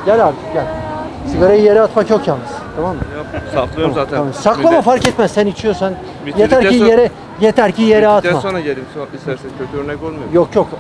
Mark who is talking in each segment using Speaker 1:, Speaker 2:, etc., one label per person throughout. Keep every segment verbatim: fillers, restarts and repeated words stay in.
Speaker 1: Gel abi gel. Sigarayı yere atmak yok yalnız. Tamam mı?
Speaker 2: Yap, saklıyorum
Speaker 1: Tamam,
Speaker 2: zaten.
Speaker 1: tamam. Saklama
Speaker 2: Millet-
Speaker 1: fark etmez. Sen içiyorsan
Speaker 2: Bitirdikten
Speaker 1: yeter ki
Speaker 2: sonra-
Speaker 1: yere yeter ki yere
Speaker 2: Bittikten
Speaker 1: atma.
Speaker 2: sonra gelin istersen kötü örnek olmuyor.
Speaker 1: Yok yok.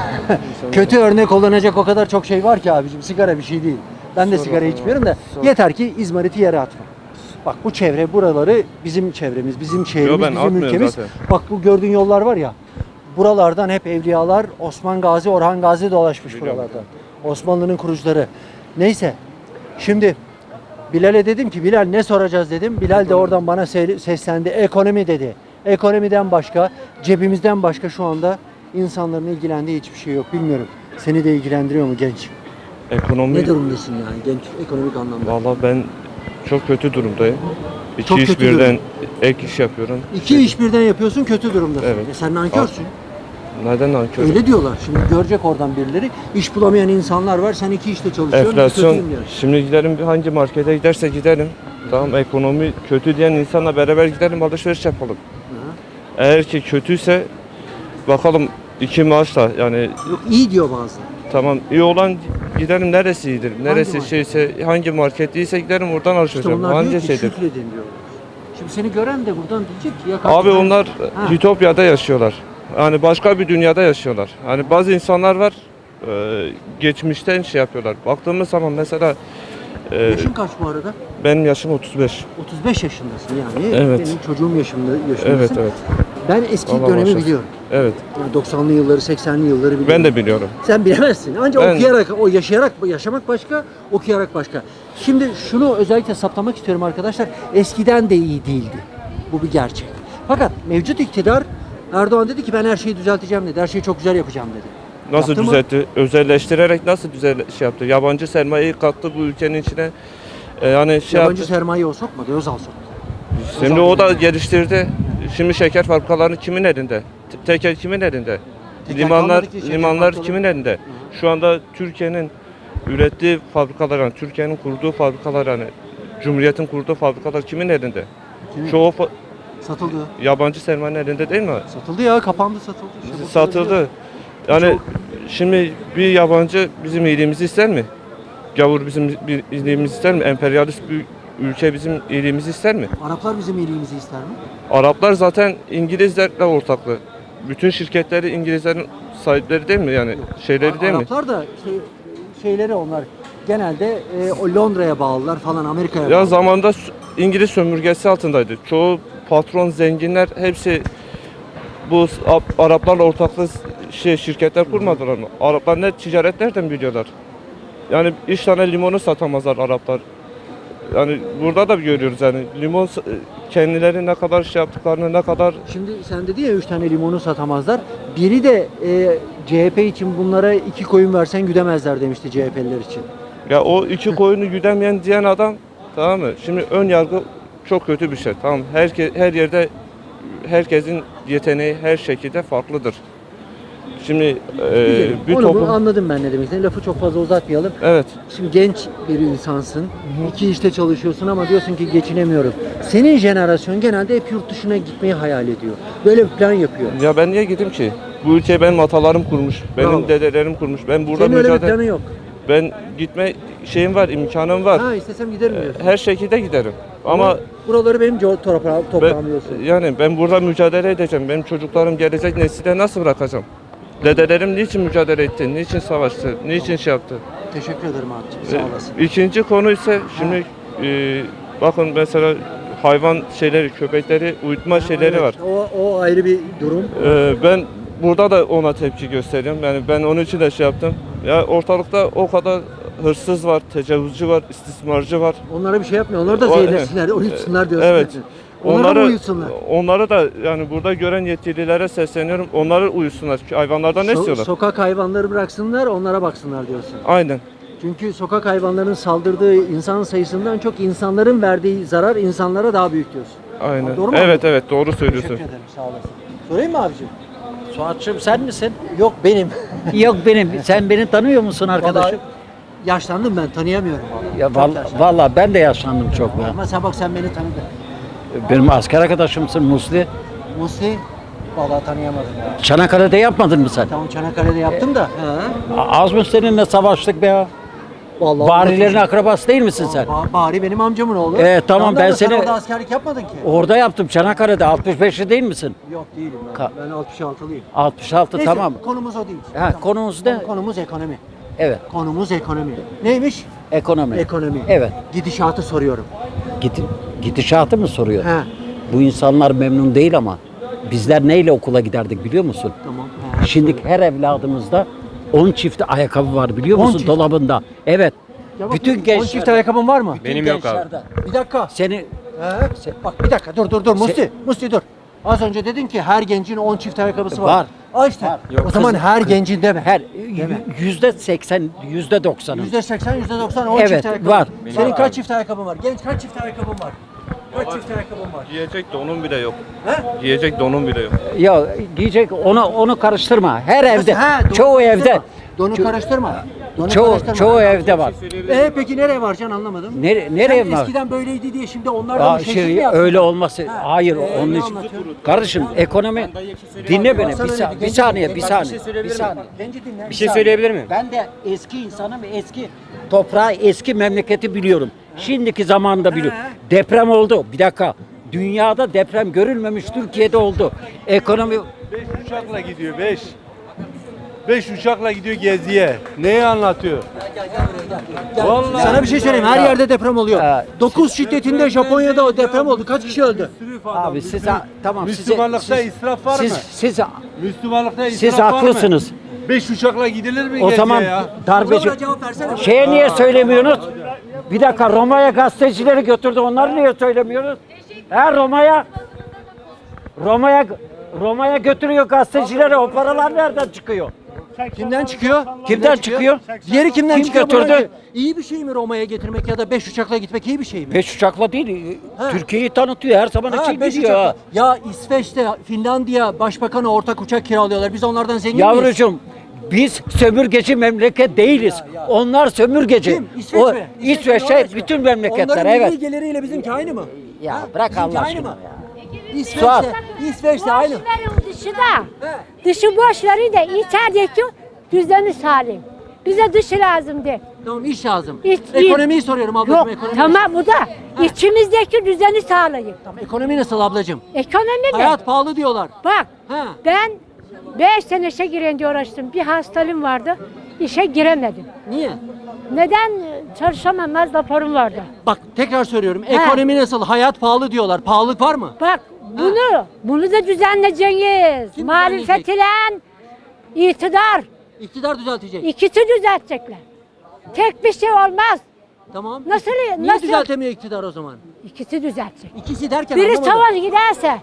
Speaker 1: Kötü örnek kullanacak o kadar çok şey var ki abicim. Sigara bir şey değil. Ben de
Speaker 2: Sonra
Speaker 1: sigara
Speaker 2: sonra.
Speaker 1: içmiyorum da
Speaker 2: Sonra.
Speaker 1: yeter ki izmariti yere atma. Bak bu çevre buraları bizim çevremiz, bizim şehrimiz,
Speaker 2: ben
Speaker 1: bizim
Speaker 2: atmıyorum
Speaker 1: ülkemiz.
Speaker 2: zaten.
Speaker 1: Bak bu gördüğün yollar var ya. Buralardan hep evliyalar, Osman Gazi, Orhan Gazi dolaşmış
Speaker 2: Biliyorum.
Speaker 1: buralardan. Osmanlı'nın kurucuları. Neyse. Şimdi Bilal'e dedim ki Bilal ne soracağız dedim. Bilal de oradan bana se- seslendi. Ekonomi dedi. Ekonomiden başka, cebimizden başka şu anda insanların ilgilendiği hiçbir şey yok. Bilmiyorum. Seni de ilgilendiriyor mu genç?
Speaker 2: Ekonomi...
Speaker 1: Ne durumdasın yani genç ekonomik anlamda?
Speaker 2: Valla ben çok kötü durumdayım. İki
Speaker 1: Çok
Speaker 2: iş
Speaker 1: kötü
Speaker 2: birden ek iş yapıyorum.
Speaker 1: İki iş birden yapıyorsun, kötü durumdasın.
Speaker 2: Evet.
Speaker 1: E sen nankörsün.
Speaker 2: Neden nankör?
Speaker 1: Öyle diyorlar. Şimdi görecek oradan birileri. İş bulamayan insanlar var. Sen iki işte çalışıyorsun.
Speaker 2: Enflasyon,
Speaker 1: kötüyüm diyor.
Speaker 2: şimdi gidelim hangi markete giderse gidelim. Tamam, ekonomi kötü diyen insanla beraber gidelim, alışveriş yapalım.
Speaker 1: Ha.
Speaker 2: Eğer ki kötüyse bakalım iki maaşla, yani
Speaker 1: Yok iyi diyor bazıları.
Speaker 2: tamam iyi olan gidelim, neresi iyidir, neresi
Speaker 1: market?
Speaker 2: şeyse, hangi market iyiyse gidelim oradan alışveriş
Speaker 1: İşte
Speaker 2: yapalım.
Speaker 1: onlar
Speaker 2: Hangi
Speaker 1: diyor ki
Speaker 2: şeydir?
Speaker 1: şükredin diyorlar. Şimdi seni gören de buradan diyecek ki ya
Speaker 2: Abi
Speaker 1: kardeşim,
Speaker 2: onlar
Speaker 1: Ha.
Speaker 2: Ütopya'da yaşıyorlar. Yani başka bir dünyada yaşıyorlar. Hani bazı insanlar var e, geçmişten şey yapıyorlar. Baktığımız zaman mesela e,
Speaker 1: Yaşın kaç bu arada?
Speaker 2: benim yaşım otuz beş.
Speaker 1: otuz beş yaşındasın yani.
Speaker 2: Evet.
Speaker 1: Benim çocuğum yaşımda yaşındasın.
Speaker 2: Evet evet.
Speaker 1: Ben eski
Speaker 2: Allah
Speaker 1: dönemi
Speaker 2: başlasın.
Speaker 1: biliyorum.
Speaker 2: Evet.
Speaker 1: Yani doksanlı yılları, seksenli yılları biliyorum.
Speaker 2: Ben de biliyorum.
Speaker 1: Sen bilemezsin. Ancak
Speaker 2: Ben-
Speaker 1: okuyarak, o yaşayarak, yaşamak başka, okuyarak başka. Şimdi şunu özellikle saptamak istiyorum arkadaşlar. Eskiden de iyi değildi. Bu bir gerçek. Fakat mevcut iktidar Erdoğan dedi ki ben her şeyi düzelteceğim dedi. Her şeyi çok güzel yapacağım dedi.
Speaker 2: Nasıl
Speaker 1: Yaptı mı?
Speaker 2: düzeltti? Özelleştirerek nasıl düzel şey yaptı? Yabancı sermayeyi kattı bu ülkenin içine. E, yani şey
Speaker 1: Yabancı
Speaker 2: yaptı.
Speaker 1: sermaye o sokmadı, Özal soktu.
Speaker 2: Şimdi o da geliştirdi. Şimdi şeker fabrikaları kimin elinde? Te- Tekel kimin elinde?
Speaker 1: Tekel
Speaker 2: Limanlar
Speaker 1: kalmadı ki, şeker
Speaker 2: limanlar
Speaker 1: fabrikaları.
Speaker 2: kimin elinde? Şu anda Türkiye'nin ürettiği fabrikalar, yani Türkiye'nin kurduğu fabrikalar, yani Cumhuriyet'in kurduğu fabrikalar kimin elinde?
Speaker 1: Kimin?
Speaker 2: Çoğu fa-
Speaker 1: Satıldı.
Speaker 2: yabancı sermayenin elinde değil mi?
Speaker 1: Satıldı ya, kapandı, satıldı. İşte bu
Speaker 2: Satıldı. Yani şimdi bir yabancı bizim iyiliğimizi ister mi? Gavur bizim bir iyiliğimizi ister mi? Emperyalist bir ülke bizim iyiliğimizi ister mi?
Speaker 1: Araplar bizim iyiliğimizi ister mi?
Speaker 2: Araplar zaten İngilizlerle ortaklı. Bütün şirketleri İngilizlerin sahipleri değil mi? Yani şeyleri değil mi?
Speaker 1: Araplar da şey, şeyleri onlar genelde e, o Londra'ya bağlılar falan, Amerika'ya
Speaker 2: Ya
Speaker 1: bağlı.
Speaker 2: zamanda s- İngiliz sömürgesi altındaydı. Çoğu patron, zenginler hepsi bu s- Ap- Araplarla ortaklı s- şey şirketler kurmadılar mı? Araplar ne ticaret nereden biliyorlar? Yani iş tane limonu satamazlar Araplar. Yani burada da görüyoruz yani limon s- kendileri ne kadar şey yaptıklarını, ne kadar
Speaker 1: Şimdi sen dedi ya üç tane limonu satamazlar. Biri de e, C H P için bunlara iki koyun versen güdemezler demişti C H P'liler için.
Speaker 2: ya o iki koyunu güdemeyen diyen adam, tamam mı? Şimdi ön yargı çok kötü bir şey. Tamam, herke, her yerde herkesin yeteneği her şekilde farklıdır. Şimdi e,
Speaker 1: Güzelim.
Speaker 2: bir
Speaker 1: Onu
Speaker 2: toplum,
Speaker 1: anladım ben ne demek istediğini. Lafı çok fazla uzatmayalım.
Speaker 2: evet.
Speaker 1: Şimdi genç bir insansın. İki işte çalışıyorsun ama diyorsun ki geçinemiyorum. Senin jenerasyon genelde hep yurt dışına gitmeyi hayal ediyor. Böyle bir plan yapıyor.
Speaker 2: Ya ben niye gideyim ki? Bu ülkeyi benim atalarım kurmuş, benim
Speaker 1: Bravo.
Speaker 2: dedelerim kurmuş. Ben burada
Speaker 1: Senin öyle bir
Speaker 2: mücadele,
Speaker 1: planı yok.
Speaker 2: ben gitme şeyim var, imkanım var.
Speaker 1: Ha istesem giderim diyorsun.
Speaker 2: Her şekilde giderim. Ama
Speaker 1: buraları benim co- toprağım, toprağım
Speaker 2: ben,
Speaker 1: diyorsun.
Speaker 2: yani ben burada mücadele edeceğim. Benim çocuklarım gelecek nesile nasıl bırakacağım? Dedelerim niçin mücadele etti? Niçin savaştı? Niçin şey yaptı?
Speaker 1: Teşekkür ederim abiciğim. Sağ olasın.
Speaker 2: Ee, İkinci konu ise şimdi e, bakın mesela hayvan şeyleri, köpekleri uyutma şeyleri
Speaker 1: Evet,
Speaker 2: var.
Speaker 1: O, o ayrı bir durum.
Speaker 2: Ee, ben burada da ona tepki gösteriyorum. Yani ben onun için de şey yaptım. Ya ortalıkta o kadar hırsız var, tecavüzcü var, istismarcı var.
Speaker 1: Onlara bir şey yapmıyor. Onları da
Speaker 2: O-
Speaker 1: zehirlesinler, uyutsunlar diyorsun.
Speaker 2: Evet.
Speaker 1: Onları
Speaker 2: Onları
Speaker 1: mı uyutsunlar?
Speaker 2: onları da yani burada gören yetkililere sesleniyorum. Onları uyusunlar. Çünkü hayvanlardan ne
Speaker 1: So-
Speaker 2: istiyorlar?
Speaker 1: sokak hayvanları bıraksınlar, onlara baksınlar diyorsun.
Speaker 2: Aynen.
Speaker 1: Çünkü sokak hayvanlarının saldırdığı insan sayısından çok insanların verdiği zarar insanlara daha büyük diyorsun.
Speaker 2: Aynen.
Speaker 1: Doğru mu
Speaker 2: Evet
Speaker 1: anladım?
Speaker 2: evet doğru söylüyorsun.
Speaker 1: Teşekkür ederim, sağ olasın. Sorayım mı abicim?
Speaker 3: Suat'cığım sen misin?
Speaker 1: Yok benim.
Speaker 3: Yok benim. Sen beni tanıyor musun arkadaşım?
Speaker 1: Vallahi yaşlandım ben, tanıyamıyorum vallahi.
Speaker 3: Ya
Speaker 1: Çok
Speaker 3: vallahi,
Speaker 1: yaşlandım.
Speaker 3: vallahi ben de yaşlandım çok ya.
Speaker 1: Ama sen bak, sen beni tanıdın.
Speaker 3: Benim asker arkadaşımsın Musli.
Speaker 1: Musi, vallahi tanıyamadım ya.
Speaker 3: Çanakkale'de yapmadın mı sen?
Speaker 1: Tamam, Çanakkale'de yaptım da. He.
Speaker 3: A- Az mı seninle savaştık be ya?
Speaker 1: Vallahi
Speaker 3: Barilerin
Speaker 1: anlatıcı.
Speaker 3: akrabası değil misin sen?
Speaker 1: Ba- Bari benim amcamın oğlu.
Speaker 3: Ee, tamam,
Speaker 1: da
Speaker 3: ben
Speaker 1: ama sen
Speaker 3: seni-
Speaker 1: orada askerlik yapmadın ki.
Speaker 3: Orada yaptım Çanakkale'de altmış beşli değil misin?
Speaker 1: Yok değilim ben.
Speaker 3: Ka-
Speaker 1: Ben altmış altılıyım.
Speaker 3: altmış altı
Speaker 1: Neyse,
Speaker 3: tamam.
Speaker 1: konumuz o değil.
Speaker 3: Ha, konumuz ne?
Speaker 1: Konumuz ekonomi.
Speaker 3: Evet,
Speaker 1: Konumuz ekonomi. Neymiş?
Speaker 3: ekonomi.
Speaker 1: Ekonomi.
Speaker 3: Evet.
Speaker 1: Gidişatı soruyorum.
Speaker 3: Gid gidişatı mı soruyor?
Speaker 1: He.
Speaker 3: Bu insanlar memnun değil ama bizler neyle okula giderdik biliyor musun?
Speaker 1: Tamam. He.
Speaker 3: Şimdi her evladımızda on çift ayakkabı var biliyor
Speaker 1: on
Speaker 3: musun
Speaker 1: çift.
Speaker 3: dolabında? Evet.
Speaker 1: Ya bak,
Speaker 3: Bütün
Speaker 1: on
Speaker 3: gençler.
Speaker 1: çift ayakkabın var mı?
Speaker 3: bütün
Speaker 4: Benim yok abi.
Speaker 3: gençlerde.
Speaker 1: Bir dakika.
Speaker 3: Seni
Speaker 1: He. Bak bir dakika dur dur dur Musti. Musti dur. Az önce dedin ki her gencin on çift ayakkabısı var.
Speaker 3: Var.
Speaker 1: Aa işte.
Speaker 3: Var.
Speaker 1: O zaman
Speaker 3: Kız-
Speaker 1: her
Speaker 3: kız-
Speaker 1: gencin deme.
Speaker 3: her
Speaker 1: Deme.
Speaker 3: yüzde seksen, yüzde doksanın.
Speaker 1: Yüzde seksen, yüzde doksan on
Speaker 3: Evet,
Speaker 1: çift ayakkabı.
Speaker 3: var.
Speaker 1: Senin
Speaker 4: Var
Speaker 1: kaç
Speaker 4: abi.
Speaker 1: çift ayakkabın var? Genç kaç çift ayakkabın var? Kaç çift ayakkabın var?
Speaker 2: Giyecek donum bile yok.
Speaker 1: He?
Speaker 2: Giyecek donum bile yok.
Speaker 3: Ya diyecek onu onu karıştırma. Her evde,
Speaker 1: He, donu
Speaker 3: çoğu
Speaker 1: karıştırma.
Speaker 3: evde,
Speaker 1: Donu
Speaker 3: ço-
Speaker 1: karıştırma. Donu
Speaker 3: çoğu
Speaker 1: karıştırma.
Speaker 3: çoğu evde var.
Speaker 1: Ee peki nereye varacaksın anlamadım.
Speaker 3: Nere, nereye
Speaker 1: Sen
Speaker 3: var?
Speaker 1: eskiden böyleydi diye şimdi onlar da
Speaker 3: Aa,
Speaker 1: mı şekil
Speaker 3: şey,
Speaker 1: mi yaptı?
Speaker 3: öyle olması.
Speaker 1: Ha,
Speaker 3: Hayır,
Speaker 1: ee,
Speaker 3: onun
Speaker 1: ne
Speaker 3: için.
Speaker 1: anlatıyorsun?
Speaker 3: Kardeşim ekonomi dinle beni
Speaker 1: Sana
Speaker 3: bir,
Speaker 1: öyle
Speaker 3: sa-
Speaker 1: bir
Speaker 3: bir
Speaker 1: genci
Speaker 3: saniye,
Speaker 1: dinle.
Speaker 3: bir
Speaker 1: Bak, bir
Speaker 3: saniye.
Speaker 4: şey
Speaker 3: Bir
Speaker 4: söyleyebilir
Speaker 3: saniye.
Speaker 4: miyim?
Speaker 1: Genci dinle.
Speaker 4: Bir şey söyleyebilir miyim?
Speaker 3: Ben de eski insanım, eski toprağı, eski memleketi biliyorum. Şimdiki zamanında biliyorum. Deprem oldu. Bir dakika. Dünyada deprem görülmemiş, Türkiye'de oldu. Ekonomi
Speaker 5: Beş uçakla gidiyor beş. Beş uçakla gidiyor geziye. Neyi anlatıyor? Vallahi.
Speaker 1: Sana bir şey söyleyeyim. Her yerde deprem oluyor.
Speaker 3: Ha,
Speaker 1: dokuz şiddetinde Japonya'da o deprem oldu. Kaç kişi öldü?
Speaker 3: abi siz tamam size-
Speaker 5: Müslümanlıkta
Speaker 3: siz-
Speaker 5: israf var
Speaker 3: siz,
Speaker 5: mı?
Speaker 3: Siz
Speaker 5: Müslümanlıkta israf
Speaker 3: siz
Speaker 5: var mı?
Speaker 3: haklısınız.
Speaker 5: Beş uçakla gidilir mi
Speaker 3: O
Speaker 5: geziye
Speaker 3: zaman
Speaker 5: ya?
Speaker 3: darbeci
Speaker 1: Buna cevap versene.
Speaker 3: şeye niye söylemiyorsunuz? Bir dakika Roma'ya gazetecileri götürdü. Onları niye söylemiyoruz? He Roma'ya Roma'ya Roma'ya götürüyor gazetecileri. O paralar nereden çıkıyor?
Speaker 1: Kimden çıkıyor?
Speaker 3: Kimden çıkıyor?
Speaker 1: Diğeri kimden
Speaker 3: Kim
Speaker 1: çıkıyor?
Speaker 3: götürdü?
Speaker 1: Buna- İyi bir şey mi Roma'ya getirmek ya da beş uçakla gitmek iyi bir şey mi?
Speaker 3: Beş uçakla değil.
Speaker 1: Ha.
Speaker 3: Türkiye'yi tanıtıyor. Her zaman
Speaker 1: Ha,
Speaker 3: için
Speaker 1: beş
Speaker 3: gidiyor.
Speaker 1: uçakla.
Speaker 3: ha.
Speaker 1: Ya İsveç'te, Finlandiya başbakanı ortak uçak kiralıyorlar. Biz onlardan zengin miyiz?
Speaker 3: Yavrucuğum biz sömürgeci memleket değiliz. Onlar sömürgeci.
Speaker 1: Kim? İsveç
Speaker 3: o,
Speaker 1: mi?
Speaker 3: İsveç,
Speaker 1: Norveç mi?
Speaker 3: bütün memleketler
Speaker 1: Onların
Speaker 3: evet.
Speaker 1: milli geliriyle bizimki aynı mı?
Speaker 3: Ya
Speaker 1: Ha?
Speaker 3: bırak
Speaker 1: Bizimki
Speaker 3: Allah
Speaker 1: aynı
Speaker 3: aşkına
Speaker 1: mı?
Speaker 3: ya.
Speaker 1: İsveç'te, İsveç'te
Speaker 6: Boş
Speaker 1: aynı.
Speaker 6: verin dışı da.
Speaker 1: He.
Speaker 6: Dışı boş verin de içerideki düzeni salim. Bize dışı lazım de.
Speaker 1: Tamam iş lazım.
Speaker 6: İş-
Speaker 1: Ekonomiyi soruyorum ablacığım.
Speaker 6: Yok
Speaker 1: Ekonomi.
Speaker 6: tamam bu da içimizdeki düzeni sağlayın.
Speaker 1: Ekonomi nasıl ablacığım?
Speaker 6: Ekonomi mi?
Speaker 1: Hayat pahalı diyorlar.
Speaker 6: Bak
Speaker 1: Ha.
Speaker 6: ben beş sene işe giren diye uğraştım. Bir hastalığım vardı. İşe giremedim.
Speaker 1: Niye?
Speaker 6: Neden çalışamamaz raporum vardı.
Speaker 1: Bak tekrar söylüyorum.
Speaker 6: Ha.
Speaker 1: Ekonomi nasıl? Hayat pahalı diyorlar. Pahalılık var mı?
Speaker 6: Bak bunu, bunu da düzenleyeceğiz.
Speaker 1: Kim
Speaker 6: Muhalefet ile iktidar.
Speaker 1: İktidar düzeltecek.
Speaker 6: İkisi düzeltecekler. Tek bir şey olmaz.
Speaker 1: Tamam.
Speaker 6: Nasıl-
Speaker 1: Niye
Speaker 6: nasıl-
Speaker 1: düzeltemiyor iktidar o zaman?
Speaker 6: İkisi düzeltecek.
Speaker 1: İkisi derken
Speaker 6: Biri
Speaker 1: anlamadım.
Speaker 6: sola giderse,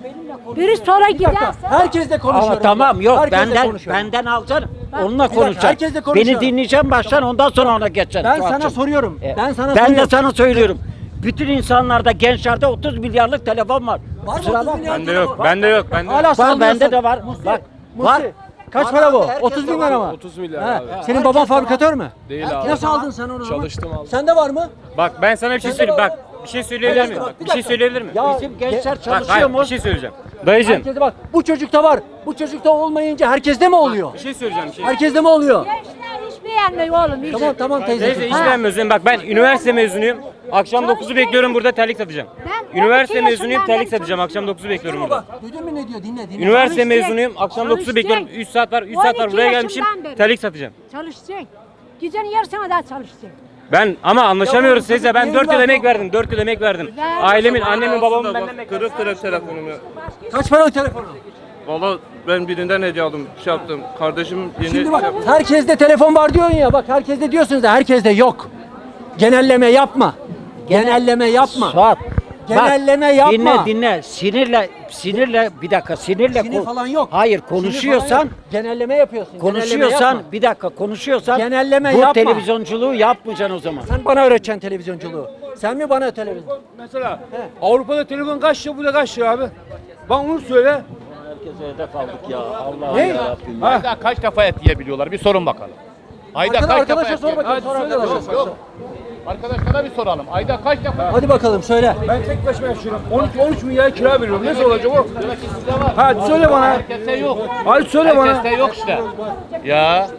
Speaker 6: biri sola
Speaker 1: Bir dakika.
Speaker 6: giderse.
Speaker 1: Herkesle konuşuyorum.
Speaker 3: Ama tamam yok
Speaker 1: Herkesle
Speaker 3: benden
Speaker 1: konuşuyorum.
Speaker 3: benden alacaksın. Onunla
Speaker 1: dakika,
Speaker 3: konuşacaksın.
Speaker 1: herkesle konuşuyorum.
Speaker 3: Beni dinleyeceğim baştan ondan sonra ona geçeceksin.
Speaker 1: Ben sana
Speaker 3: Suat'cığım.
Speaker 1: soruyorum.
Speaker 3: E,
Speaker 1: Ben sana
Speaker 3: ben
Speaker 1: soruyorum.
Speaker 3: de sana söylüyorum. Bütün insanlarda gençlerde otuz milyarlık telefon var.
Speaker 1: Var mı
Speaker 3: Kusura
Speaker 1: otuz
Speaker 3: bakma.
Speaker 1: milyar
Speaker 4: Bende
Speaker 1: telefon?
Speaker 4: yok, bende yok, bende yok.
Speaker 1: Hala
Speaker 3: Var
Speaker 1: sallıyorsun.
Speaker 3: bende de var.
Speaker 1: Musi,
Speaker 3: Bak
Speaker 1: Musi,
Speaker 3: var.
Speaker 1: Kaç
Speaker 3: Var
Speaker 1: para
Speaker 3: abi,
Speaker 1: bu?
Speaker 3: herkes
Speaker 1: otuz bin
Speaker 3: de
Speaker 1: lira
Speaker 3: var.
Speaker 1: mı?
Speaker 7: otuz milyar
Speaker 1: Ha,
Speaker 7: abi.
Speaker 1: Senin baban fabrikatör mü?
Speaker 7: Değil
Speaker 1: Ha,
Speaker 7: abi.
Speaker 1: Nasıl aldın sen onu? o zaman?
Speaker 7: Çalıştım aldım.
Speaker 1: Sende var mı?
Speaker 4: Bak ben sana bir şey söyleyeyim. Bak bir şey söyleyebilir miyim? Bak, bir şey söyleyebilir miyim?
Speaker 1: Ya,
Speaker 3: Bizim gençler
Speaker 4: Bak
Speaker 3: çalışıyor
Speaker 4: hayır,
Speaker 3: mu?
Speaker 4: bir şey söyleyeceğim. Dayıcım
Speaker 1: Herkese bak. Bu çocukta var. Bu çocukta olmayınca herkeste mi oluyor?
Speaker 4: bir şey söyleyeceğim. Bir şey.
Speaker 1: Herkeste mi oluyor?
Speaker 6: Gençler hiç beğenmiyor oğlum. Hiç.
Speaker 1: Tamam tamam
Speaker 4: Teyze
Speaker 1: teyzeciğim.
Speaker 4: hiç beğenmiyorsun. Bak ben üniversite mezunuyum. Akşam dokuzu bekliyorum burada terlik satacağım.
Speaker 6: Ben
Speaker 4: Üniversite
Speaker 6: on iki
Speaker 4: mezunuyum
Speaker 6: yaşından
Speaker 4: terlik
Speaker 6: beri
Speaker 4: satacağım. Akşam dokuzu bekliyorum burada.
Speaker 1: Bak duydun mu ne diyor? Dinle dinle.
Speaker 4: Üniversite
Speaker 6: Çalışacak.
Speaker 4: mezunuyum. Akşam dokuzu
Speaker 6: Çalışacak.
Speaker 4: bekliyorum. üç saat var. üç saat var.
Speaker 6: on iki
Speaker 4: Buraya gelmişim.
Speaker 6: yaşından beri.
Speaker 4: Terlik satacağım.
Speaker 6: Çalışacaksın. Gecenin yarısına daha çalışacaksın.
Speaker 4: Ben ama anlaşamıyoruz
Speaker 1: Ya bu
Speaker 4: teyze. Ben
Speaker 1: çocuk
Speaker 4: dört yıl
Speaker 1: niye
Speaker 4: emek
Speaker 1: evlat
Speaker 4: verdim. dört yıl emek verdim.
Speaker 6: Ver.
Speaker 4: Ailemin, annemin, babamın benden
Speaker 2: Bak, kırık kırık telefonum ya.
Speaker 1: Kaç para o telefonu?
Speaker 2: Valla ben birinden hediye aldım, şey yaptım. Kardeşim yeni
Speaker 1: Şimdi bak
Speaker 2: şey yaptı.
Speaker 1: herkeste telefon var diyorsun ya. Bak herkeste diyorsunuz da herkeste yok. Genelleme yapma. Genelleme yapma.
Speaker 3: Suat.
Speaker 1: Genelleme
Speaker 3: bak,
Speaker 1: yapma.
Speaker 3: Dinle dinle. Sinirle sinirle bir dakika sinirle.
Speaker 1: Sinir
Speaker 3: ko-
Speaker 1: falan yok.
Speaker 3: Hayır
Speaker 1: Sinir falan
Speaker 3: konuşuyorsan
Speaker 1: yok. Genelleme yapıyorsun. genelleme
Speaker 3: konuşuyorsan
Speaker 1: yapma.
Speaker 3: bir dakika konuşuyorsan
Speaker 1: Genelleme
Speaker 3: bu
Speaker 1: yapma.
Speaker 3: televizyonculuğu yapmayacaksın o zaman.
Speaker 1: Sen bana öğreteceksin televizyonculuğu. Sen mi bana televizyon?
Speaker 5: Mesela Avrupa'da telefon kaç lira, burada kaç lira abi? Bana onu söyle.
Speaker 3: Herkese hedef aldık ya. Allah
Speaker 1: Ne?
Speaker 7: Ayda kaç defa et yiyebiliyorlar? Bir sorun bakalım. Ayda
Speaker 1: Arkada,
Speaker 7: kaç
Speaker 1: arkadaşa
Speaker 7: defa et
Speaker 1: sor
Speaker 7: yiyor-
Speaker 1: bakayım. Sor arkadaşa.
Speaker 7: Yok, yok. Arkadaşlara bir soralım. Ayda kaç defa?
Speaker 1: Hadi bakalım söyle.
Speaker 5: Ben tek başıma yaşıyorum. on iki on üç milyar kira veriyorum. Nasıl olacak o?
Speaker 7: Demek ki sizde var.
Speaker 5: Hadi söyle bana.
Speaker 7: Herkeste yok.
Speaker 5: Hadi söyle bana.
Speaker 7: Herkeste yok işte. Ya.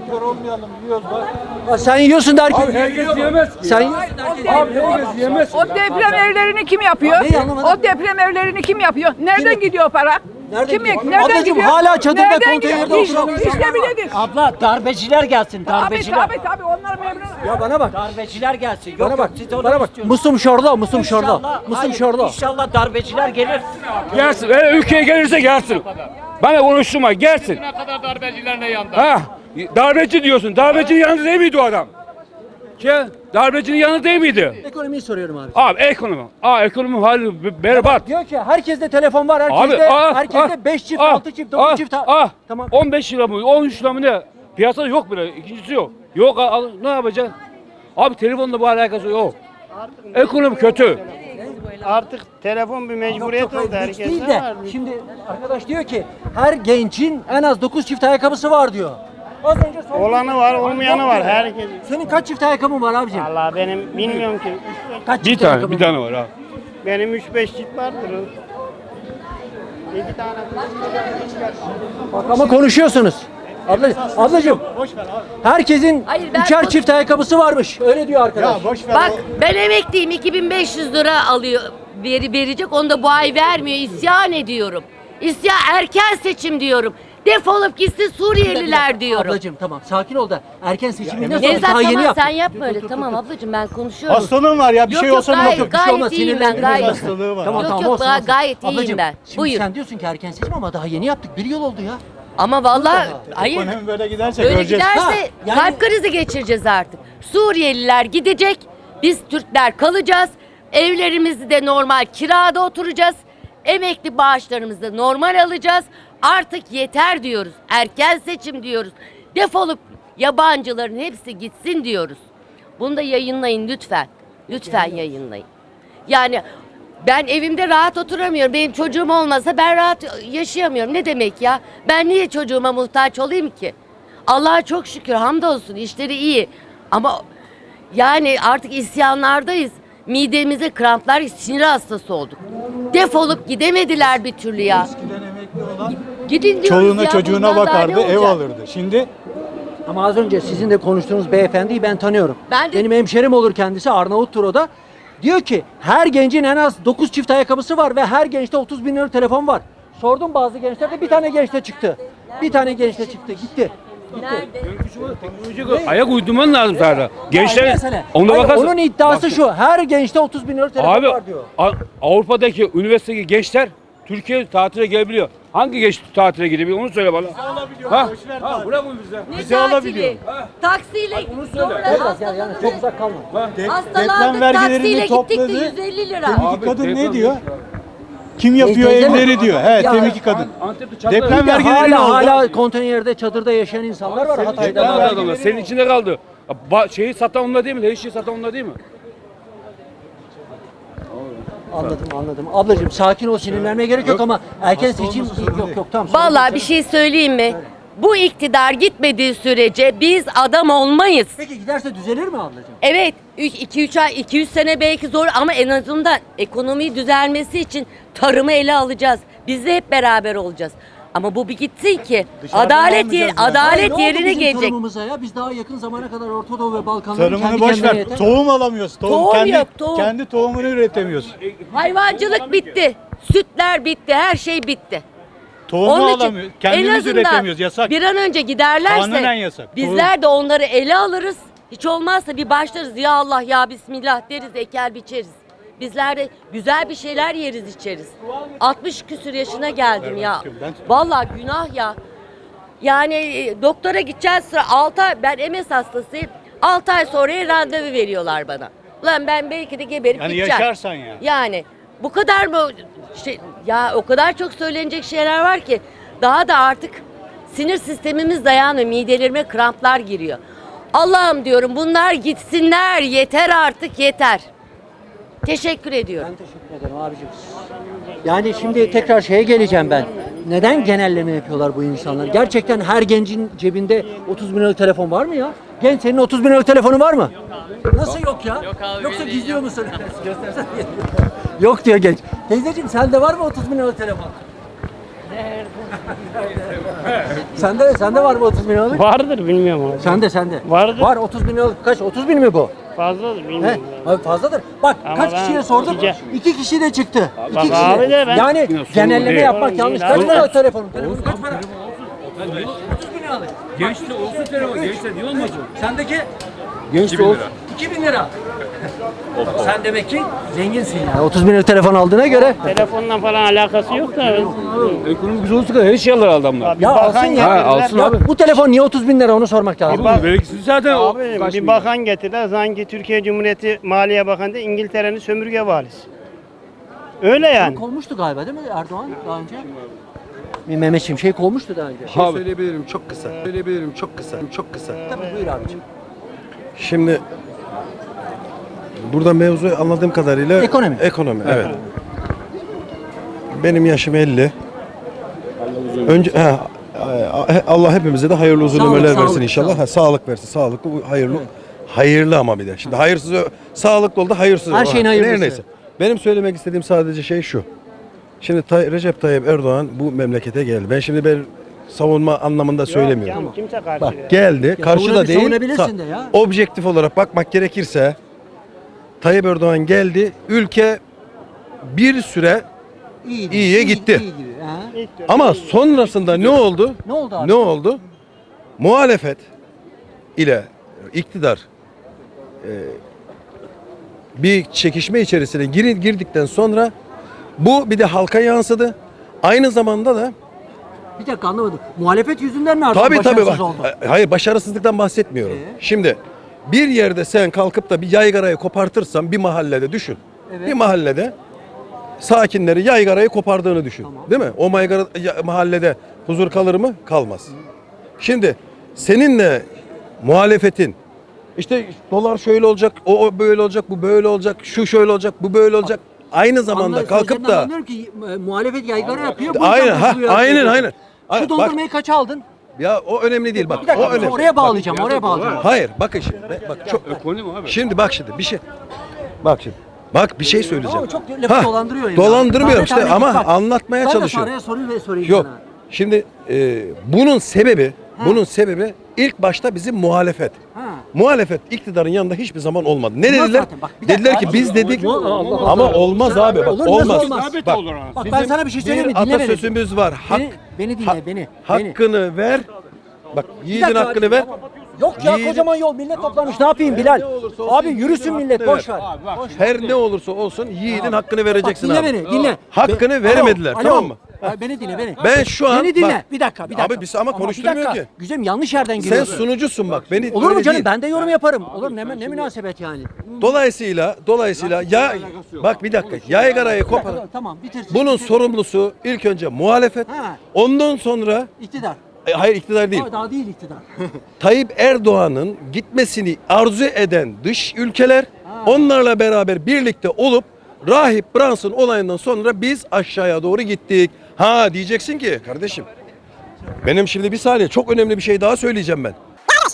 Speaker 5: kör olmayalım diyoruz bak.
Speaker 1: Ha, sen yiyorsun da herkes
Speaker 8: Herkes
Speaker 1: yiyor.
Speaker 8: yiyemez.
Speaker 1: Sen yiyorsun da herkes
Speaker 8: Abi
Speaker 1: yiyor.
Speaker 8: herkes yiyemez.
Speaker 9: O deprem evlerini kim yapıyor?
Speaker 1: Neyi anlamadım?
Speaker 9: O deprem evlerini kim yapıyor? Nereden
Speaker 1: Kim-
Speaker 9: gidiyor para?
Speaker 1: Nereden
Speaker 9: kim,
Speaker 1: gidiyor?
Speaker 9: Nereden
Speaker 1: Ablacığım,
Speaker 9: gidiyor?
Speaker 1: hala çadırda,
Speaker 9: Nereden
Speaker 1: konteynerde
Speaker 9: gidiyor? İş-
Speaker 1: oturan
Speaker 9: İşte
Speaker 1: insanlar var.
Speaker 9: biledir.
Speaker 3: Abla darbeciler gelsin,
Speaker 9: Tabii
Speaker 3: darbeciler.
Speaker 9: tabii tabii onlar memnun.
Speaker 1: Ya bana bak.
Speaker 3: Darbeciler gelsin. Yok,
Speaker 1: Bana
Speaker 3: yok,
Speaker 1: bak.
Speaker 3: siz onu
Speaker 1: Bana bak.
Speaker 3: istiyorsunuz.
Speaker 1: Musum şorla, musum şorla.
Speaker 3: İnşallah,
Speaker 1: Musum
Speaker 3: hayır,
Speaker 1: şorla.
Speaker 3: İnşallah darbeciler gelir.
Speaker 8: Gelsin. Eğer ülkeye gelirse gelsin. Bana konuşturma. Gelsin.
Speaker 7: Ne kadar darbeciler ne yandı?
Speaker 8: Ha? Darbeci diyorsun. Darbecinin yanında değil miydi o adam? Ki darbecinin yanında değil miydi?
Speaker 1: Ekonomiyi soruyorum abi.
Speaker 8: Abi ekonomi. Aa ekonomi hali be- berbat.
Speaker 1: Diyor ki herkeste telefon var,
Speaker 8: Abi
Speaker 1: herkeste
Speaker 8: ah,
Speaker 1: herkeste beş çift,
Speaker 8: ah,
Speaker 1: altı çift, dokuz
Speaker 8: ah,
Speaker 1: çift. ha-
Speaker 8: Ah,
Speaker 1: Tamam.
Speaker 8: on beş lira mı? on üç lira mı ne? Piyasada yok bile. İkincisi yok. Yok al- al- ne yapacaksın? Abi telefonla bu alakası yok. Ekonomi kötü.
Speaker 10: Artık telefon bir mecburiyet
Speaker 1: Yok,
Speaker 10: oldu
Speaker 1: hayır, lüks değil
Speaker 10: herkese
Speaker 1: de.
Speaker 10: var.
Speaker 1: Şimdi arkadaş diyor ki her gencin en az dokuz çift ayakkabısı var diyor. Az önce sordum.
Speaker 10: Olanı var, olmayanı var herkes.
Speaker 1: Senin kaç çift ayakkabın var abicim?
Speaker 10: Allah benim bilmiyorum ki.
Speaker 1: Kaç
Speaker 8: Bir
Speaker 1: çift
Speaker 8: tane,
Speaker 1: ayakkabın
Speaker 8: bir tane var abi.
Speaker 10: Benim üç beş çift vardır. İki tane.
Speaker 1: Bak ama konuşuyorsunuz. Abla, ablacığım. Herkesin
Speaker 11: Hayır, ben
Speaker 1: üçer
Speaker 11: konuş-
Speaker 1: çift ayakkabısı varmış. Öyle diyor arkadaş.
Speaker 11: Bak ben emekliyim, iki bin beş yüz lira alıyor veri verecek, onu da bu ay vermiyor, isyan ediyorum. İsyan, erken seçim diyorum. Defolup gitsin Suriyeliler diyorum.
Speaker 1: Ablacığım tamam sakin ol da erken seçimi ne
Speaker 11: Nevzat
Speaker 1: daha yeni
Speaker 11: tamam
Speaker 1: yaptık.
Speaker 11: sen yapma öyle, tamam ablacığım ben konuşuyorum.
Speaker 10: Hastalığım var ya bir
Speaker 11: Yok,
Speaker 10: şey
Speaker 11: yok,
Speaker 10: olsa ne
Speaker 11: gayet-
Speaker 10: olur?
Speaker 1: Bir şey olmaz,
Speaker 11: Gayet iyiyim ben,
Speaker 1: sinirlendirmez
Speaker 11: gayet.
Speaker 1: beni.
Speaker 10: Hastalığı var.
Speaker 1: Tamam,
Speaker 11: Yok,
Speaker 1: tamam,
Speaker 11: yok,
Speaker 1: olsun,
Speaker 11: daha
Speaker 1: olsun.
Speaker 11: gayet iyiyim
Speaker 1: Ablacığım,
Speaker 11: ben.
Speaker 1: Şimdi
Speaker 11: Buyur.
Speaker 1: sen diyorsun ki erken seçim ama daha yeni yaptık. Bir yıl oldu ya.
Speaker 11: Ama vallahi hayır.
Speaker 10: Ekonomi böyle giderse
Speaker 11: Böyle
Speaker 10: göreceğiz.
Speaker 11: giderse
Speaker 1: Ha, yani-
Speaker 11: kalp krizi geçireceğiz artık. Suriyeliler gidecek, biz Türkler kalacağız. Evlerimizde de normal kirada oturacağız. Emekli bağışlarımızı da normal alacağız. Artık yeter diyoruz. Erken seçim diyoruz. Defolup yabancıların hepsi gitsin diyoruz. Bunu da yayınlayın lütfen. Lütfen yayınlayın. Yani ben evimde rahat oturamıyorum. Benim çocuğum olmasa ben rahat yaşayamıyorum. Ne demek ya? Ben niye çocuğuma muhtaç olayım ki? Allah'a çok şükür, hamdolsun, işleri iyi. Ama yani artık isyanlardayız. Midemize kramplar, sinir hastası olduk. Defolup gidemediler bir türlü ya. Gidin diyoruz
Speaker 5: Çoluğuna
Speaker 11: ya,
Speaker 5: çocuğuna
Speaker 11: bundan daha
Speaker 5: bakardı,
Speaker 11: ne
Speaker 5: ev
Speaker 11: olacak?
Speaker 5: alırdı. Şimdi
Speaker 1: Ama az önce sizin de konuştuğunuz beyefendiyi ben tanıyorum.
Speaker 11: Ben de-
Speaker 1: Benim hemşerim olur kendisi, Arnavuttur o da. Diyor ki her gencin en az dokuz çift ayakkabısı var ve her gençte otuz bin lira telefon var. Sordum bazı gençlerde, bir tane gençte çıktı. Bir tane gençte çıktı gitti.
Speaker 11: Nerede?
Speaker 8: Ayak uydurman lazım sana.
Speaker 1: Aynı
Speaker 8: Gençler
Speaker 1: mesele.
Speaker 8: ona
Speaker 1: Hayır,
Speaker 8: bakarsın.
Speaker 1: onun iddiası
Speaker 8: Bak-
Speaker 1: şu, her gençte otuz bin lira telefon
Speaker 8: Abi
Speaker 1: var diyor.
Speaker 8: A- Avrupa'daki üniversitedeki gençler Türkiye tatile gelebiliyor. Hangi genç tatile gidebiliyor onu söyle bana. Ha? Ha, bırak onu bize.
Speaker 11: Ne
Speaker 5: Bizi
Speaker 11: tatili?
Speaker 5: alabiliyor.
Speaker 11: Taksiyle sonra
Speaker 1: Biraz yani, yani çok uzak kalma.
Speaker 11: hastalandık, taksiyle gittik de yüz elli lira.
Speaker 8: Abi,
Speaker 5: kadın ne
Speaker 8: telefon-
Speaker 5: diyor? Kim yapıyor
Speaker 1: Teyze mi?
Speaker 5: evleri diyor. He,
Speaker 1: Ya-
Speaker 5: temiki kadın.
Speaker 8: Antep'te çatladı.
Speaker 5: Deprem
Speaker 1: Bir de
Speaker 5: vergileri ne
Speaker 1: hala
Speaker 5: oldu?
Speaker 1: hala konteynerde, çadırda yaşayan insanlar var Hatay'da.
Speaker 8: Deprem
Speaker 1: da.
Speaker 8: adamlar. Senin içinde kaldı. Ba- şeyi satan onlar değil mi? Her şeyi satan onlar değil mi?
Speaker 1: Anladım anladım. Ablacığım sakin ol, sinirlenmeye gerek yok ama erken seçim yok yok tamam. sorun
Speaker 11: Vallahi
Speaker 1: yok
Speaker 11: bir
Speaker 1: canım.
Speaker 11: şey söyleyeyim mi? Bu iktidar gitmediği sürece biz adam olmayız.
Speaker 1: Peki giderse düzelir mi ablacığım?
Speaker 11: Evet, iki üç ay, iki yüz sene belki zor ama en azından ekonomiyi düzelmesi için tarımı ele alacağız. Biz de hep beraber olacağız. Ama bu bir gitsin ki
Speaker 5: Dışarıdan
Speaker 11: adalet yer,
Speaker 5: almayacağız ya.
Speaker 1: Hayır,
Speaker 11: adalet
Speaker 1: ne oldu
Speaker 11: yerine
Speaker 1: bizim
Speaker 11: gelecek.
Speaker 1: tarımımıza ya? Biz daha yakın zamana kadar Orta Doğu ve Balkanların
Speaker 5: Tarımını
Speaker 1: kendi
Speaker 5: boş
Speaker 1: kendine
Speaker 5: ver.
Speaker 1: yeter.
Speaker 5: Tohum alamıyoruz. Tohum,
Speaker 11: Tohum
Speaker 5: kendi,
Speaker 11: yok, tohum.
Speaker 5: kendi tohumunu üretemiyoruz.
Speaker 11: Hayvancılık bitti. Sütler bitti, her şey bitti.
Speaker 5: Tohumu
Speaker 11: Onun için
Speaker 5: alamıyoruz.
Speaker 11: en
Speaker 5: Kendimiz
Speaker 11: azından
Speaker 5: üretemiyoruz. Yasak.
Speaker 11: bir an önce giderlerse
Speaker 5: Kanunen yasak.
Speaker 11: bizler de onları ele alırız. Hiç olmazsa bir başlarız ya Allah ya Bismillah deriz, eker biçeriz. Bizler de güzel bir şeyler yeriz içeriz. altmış küsür yaşına geldim ya. Vallahi günah ya. Yani e, doktora gideceğiz sıra altı ay, ben M S hastasıyım. altı ay sonraya randevu veriyorlar bana. Ulan ben belki de geberip
Speaker 5: Yani
Speaker 11: gideceğim.
Speaker 5: yaşarsan ya.
Speaker 11: Yani bu kadar mı şey, ya o kadar çok söylenecek şeyler var ki daha da artık sinir sistemimiz dayanıyor. Midelerime kramplar giriyor. Allah'ım diyorum bunlar gitsinler, yeter artık yeter. Teşekkür ediyorum.
Speaker 1: Ben teşekkür ederim abicim. Yani şimdi tekrar şeye geleceğim ben. Neden genelleme yapıyorlar bu insanlar? Gerçekten her gencin cebinde otuz bin liralık telefon var mı ya? Genç senin otuz bin liralık telefonu var mı? Nasıl yok ya? Yok abi. Yoksa gizliyor musun? Göstersene. Yok diyor genç. Teyzeciğim sende var mı otuz bin liralık telefon? Sende sende var mı otuz bin liralık?
Speaker 10: Vardır bilmiyorum abi.
Speaker 1: Sende sende.
Speaker 10: Vardır.
Speaker 1: Var otuz bin liralık kaç? otuz bin mi bu?
Speaker 10: Fazladır
Speaker 1: He?
Speaker 10: bilmiyorum.
Speaker 1: Abi fazladır. Bak
Speaker 10: Ama
Speaker 1: kaç
Speaker 10: ben
Speaker 1: kişiye sordum?
Speaker 10: ikice-
Speaker 1: İki kişi de çıktı. İki
Speaker 10: Bak
Speaker 1: kişi
Speaker 10: abi de ben-
Speaker 1: Yani genelleme
Speaker 8: değil.
Speaker 1: yapmak
Speaker 10: Sorun
Speaker 1: yanlış.
Speaker 10: değil
Speaker 1: Kaç
Speaker 10: abi.
Speaker 1: para telefonun? Telefonun kaç para?
Speaker 8: Gençte olsun telefon. Gençte niye olmasın?
Speaker 1: Sendeki? Genç
Speaker 8: iki bin lira.
Speaker 1: iki bin lira. Sen demek ki zenginsin yani. otuz bin lira telefon aldığına göre.
Speaker 10: Telefonla falan alakası yok da.
Speaker 8: Ekonomi güzel olsa her şey alır adamlar.
Speaker 1: Ya
Speaker 10: bakan
Speaker 1: alsın ya.
Speaker 8: Ha, alsın
Speaker 1: Ya
Speaker 8: abi.
Speaker 1: bu telefon niye otuz bin lira onu sormak lazım.
Speaker 10: bak-
Speaker 8: Vergisiz zaten o
Speaker 10: Abi
Speaker 8: kaç
Speaker 10: bir
Speaker 8: milyon.
Speaker 10: bakan getirdiler sanki Türkiye Cumhuriyeti Maliye Bakanı da İngiltere'nin sömürge valisi. Öyle yani.
Speaker 1: Kovmuştu galiba değil mi Erdoğan daha önce? Bir Mehmet Şimşek kovmuştu daha önce.
Speaker 8: Abi.
Speaker 5: Söyleyebilirim çok kısa. Söyleyebilirim çok kısa. Çok kısa.
Speaker 1: Tabii buyur abicim.
Speaker 5: Şimdi burada mevzu anladığım kadarıyla
Speaker 1: Ekonomi.
Speaker 5: Ekonomi evet. Benim yaşım elli. Önce he, Allah hepimize de hayırlı uzun
Speaker 1: Sağlık,
Speaker 5: ömürler
Speaker 1: sağlık,
Speaker 5: versin inşallah.
Speaker 1: sağlık.
Speaker 5: Ha, sağlık versin. Sağlıklı, hayırlı. Hayırlı ama bir de. Şimdi hayırsız sağlıklı oldu, hayırsız.
Speaker 1: Her
Speaker 5: oldu.
Speaker 1: şeyin
Speaker 5: Ha,
Speaker 1: hayırlısı.
Speaker 5: Neyse. Benim söylemek istediğim sadece şey şu. Şimdi Tay- Recep Tayyip Erdoğan bu memlekete geldi. Ben şimdi ben savunma anlamında söylemiyorum.
Speaker 10: Yok, kimse karşı
Speaker 5: Bak
Speaker 10: değil.
Speaker 5: geldi. Karşıda
Speaker 1: savunabil-
Speaker 5: değil.
Speaker 1: savunabilirsin
Speaker 5: sa-
Speaker 1: de ya.
Speaker 5: Objektif olarak bakmak gerekirse Tayyip Erdoğan geldi. Ülke bir süre
Speaker 1: İyi,
Speaker 5: İyiye gitti.
Speaker 1: iyi gibi, ha.
Speaker 10: İlk dönem
Speaker 5: ama sonrasında ne oldu?
Speaker 1: Ne oldu abi?
Speaker 5: Ne oldu? Muhalefet ile iktidar e, bir çekişme içerisine gir- girdikten sonra bu bir de halka yansıdı. Aynı zamanda da
Speaker 1: Bir dakika anlamadım. Muhalefet yüzünden mi Erdoğan
Speaker 5: tabii tabii
Speaker 1: başarısız
Speaker 5: bak,
Speaker 1: oldu?
Speaker 5: hayır başarısızlıktan bahsetmiyorum.
Speaker 1: Ee?
Speaker 5: Şimdi bir yerde sen kalkıp da bir yaygarayı kopartırsan bir mahallede düşün.
Speaker 1: Evet.
Speaker 5: Bir mahallede sakinleri yaygarayı kopardığını düşün.
Speaker 1: Tamam.
Speaker 5: Değil mi? O maygara, ya- mahallede huzur kalır mı? Kalmaz. Şimdi seninle muhalefetin işte dolar şöyle olacak, o, o böyle olacak, bu böyle olacak, şu şöyle olacak, bu böyle olacak. Aynı zamanda
Speaker 1: Anlar-
Speaker 5: kalkıp
Speaker 1: sözlerinden
Speaker 5: da
Speaker 1: anlıyorum ki e, muhalefet yaygara yapıyor. bu
Speaker 5: aynen
Speaker 1: yüzden
Speaker 5: ha
Speaker 1: bozuluyor
Speaker 5: aynen
Speaker 1: diyorsun.
Speaker 5: aynen.
Speaker 1: Şu
Speaker 5: Bak,
Speaker 1: dondurmayı kaça aldın?
Speaker 5: ya o önemli değil bak.
Speaker 1: Bir dakika
Speaker 5: o önemli.
Speaker 1: oraya bağlayacağım, oraya bağlayacağım.
Speaker 5: Hayır bakın şimdi. Bak çok
Speaker 8: Ekonomi abi.
Speaker 5: Şimdi bak şimdi bir şey. Bak şimdi. Bak bir şey söyleyeceğim.
Speaker 1: Ama çok lafı
Speaker 5: Ha,
Speaker 1: dolandırıyor yani.
Speaker 5: Dolandırmıyorum
Speaker 1: Tane
Speaker 5: işte
Speaker 1: tane
Speaker 5: ama
Speaker 1: git bak.
Speaker 5: anlatmaya
Speaker 1: Ben de
Speaker 5: çalışıyorum.
Speaker 1: araya sorayım ve sorayım
Speaker 5: Yok.
Speaker 1: sana.
Speaker 5: Şimdi e, bunun sebebi bunun sebebi ilk başta bizim muhalefet.
Speaker 1: Ha.
Speaker 5: Muhalefet iktidarın yanında hiçbir zaman olmadı. Ne
Speaker 1: Olmaz
Speaker 5: dediler?
Speaker 1: zaten. Bak, bir dakika
Speaker 5: Dediler ki
Speaker 1: abi.
Speaker 5: biz dedik
Speaker 1: Allah Allah.
Speaker 5: ama olmaz abi bak
Speaker 1: Olur, nasıl
Speaker 5: olmaz.
Speaker 1: olmaz?
Speaker 5: Bak,
Speaker 1: Bak ben sana bir şey söyleyeyim mi?
Speaker 5: bir
Speaker 1: Dinle beni.
Speaker 5: atasözümüz var. Hak,
Speaker 1: Beni, beni dinle
Speaker 5: ha-
Speaker 1: beni. beni.
Speaker 5: hakkını ver. Bak yiğidin
Speaker 1: dakika
Speaker 5: hakkını
Speaker 1: abi,
Speaker 5: ver.
Speaker 1: Yok ya
Speaker 5: Yiğidin-
Speaker 1: kocaman yol millet toplamış ne yapayım Bilal?
Speaker 5: Ne olursa olsun
Speaker 1: Abi
Speaker 5: yiğidin
Speaker 1: yürüsün millet
Speaker 5: hakkını
Speaker 1: boş ver. Boş ver.
Speaker 5: Her ne olursa olsun yiğidin hakkını vereceksin
Speaker 1: Bak, dinle
Speaker 5: abi.
Speaker 1: beni dinle.
Speaker 5: Hakkını
Speaker 1: Be-
Speaker 5: veremediler,
Speaker 1: Alo,
Speaker 5: tamam
Speaker 1: alo.
Speaker 5: mı?
Speaker 1: Ha, beni dinle beni.
Speaker 5: Ben şu an
Speaker 1: Beni dinle.
Speaker 5: bak-
Speaker 1: bir dakika bir dakika.
Speaker 5: Abi biz ama
Speaker 1: bir
Speaker 5: konuşturmuyor
Speaker 1: dakika.
Speaker 5: ki.
Speaker 1: Güzelim yanlış yerden
Speaker 5: Sen
Speaker 1: giriyorsun.
Speaker 5: sunucusun bak. Beni
Speaker 1: Olur mu
Speaker 5: öyle
Speaker 1: canım?
Speaker 5: değil.
Speaker 1: Ben de yorum yaparım. Olur mu? Ne, ne münasebet yani?
Speaker 5: Dolayısıyla dolayısıyla ya bak bir dakika. Yaygarayı
Speaker 1: Bir dakika,
Speaker 5: kopar.
Speaker 1: Tamam bitirsin.
Speaker 5: Bunun
Speaker 1: bitirsin.
Speaker 5: sorumlusu ilk önce muhalefet.
Speaker 1: Ha.
Speaker 5: Ondan sonra
Speaker 1: İktidar.
Speaker 5: e, hayır iktidar değil.
Speaker 1: Daha, daha değil iktidar.
Speaker 5: Tayyip Erdoğan'ın gitmesini arzu eden dış ülkeler onlarla beraber birlikte olup Rahip Brunson olayından sonra biz aşağıya doğru gittik. Ha diyeceksin ki kardeşim benim şimdi bir saniye çok önemli bir şey daha söyleyeceğim ben.